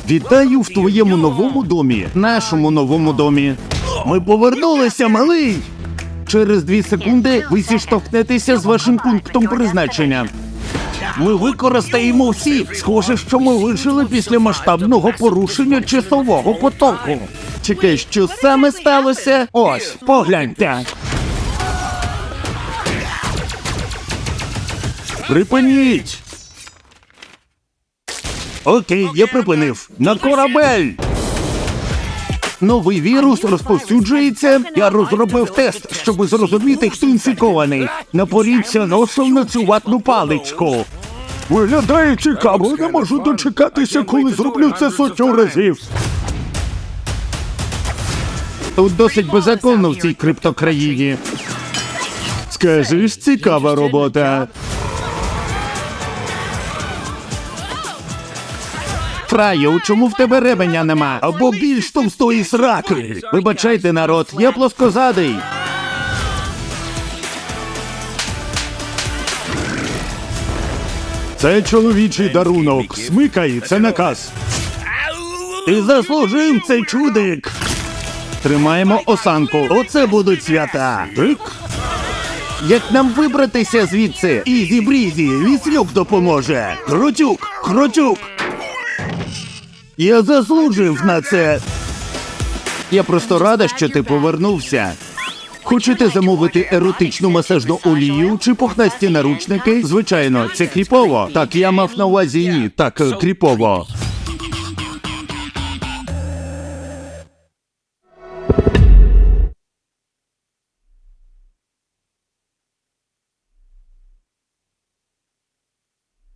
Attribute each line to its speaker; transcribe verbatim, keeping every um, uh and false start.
Speaker 1: Вітаю в твоєму новому домі, нашому новому домі. Ми повернулися, малий! Через дві секунди ви зіштовхнетеся з вашим пунктом призначення. Ми використаємо всі. Схоже, що ми вижили після масштабного порушення часового потоку. Чекай, що саме сталося? Ось, погляньте. Припиніть! Окей, я припинив. На корабель! Новий вірус розповсюджується. Я розробив тест, щоб зрозуміти, хто інфікований. Напоріться носом на цю ватну паличку. Виглядає цікаво, не можу дочекатися, коли зроблю це сотню разів. Тут досить беззаконно в цій криптокраїні. Скажеш, цікава робота. Фраю, чому в тебе ребеня нема? Або більш товстої сраки. Вибачайте, народ, я плоскозадий. Це чоловічий дарунок. Смикай, це наказ. Ти заслужив цей чудик. Тримаємо осанку. Оце будуть свята. Тик. Як нам вибратися звідси? Ізі-брізі, віслюк допоможе. Крутюк, крутюк. Я заслужив на це. Я просто рада, що ти повернувся. Хочете замовити еротичну масажну олію чи пухнасті наручники? Звичайно, це кріпово. Так, я мав на увазі ні, так, кріпово.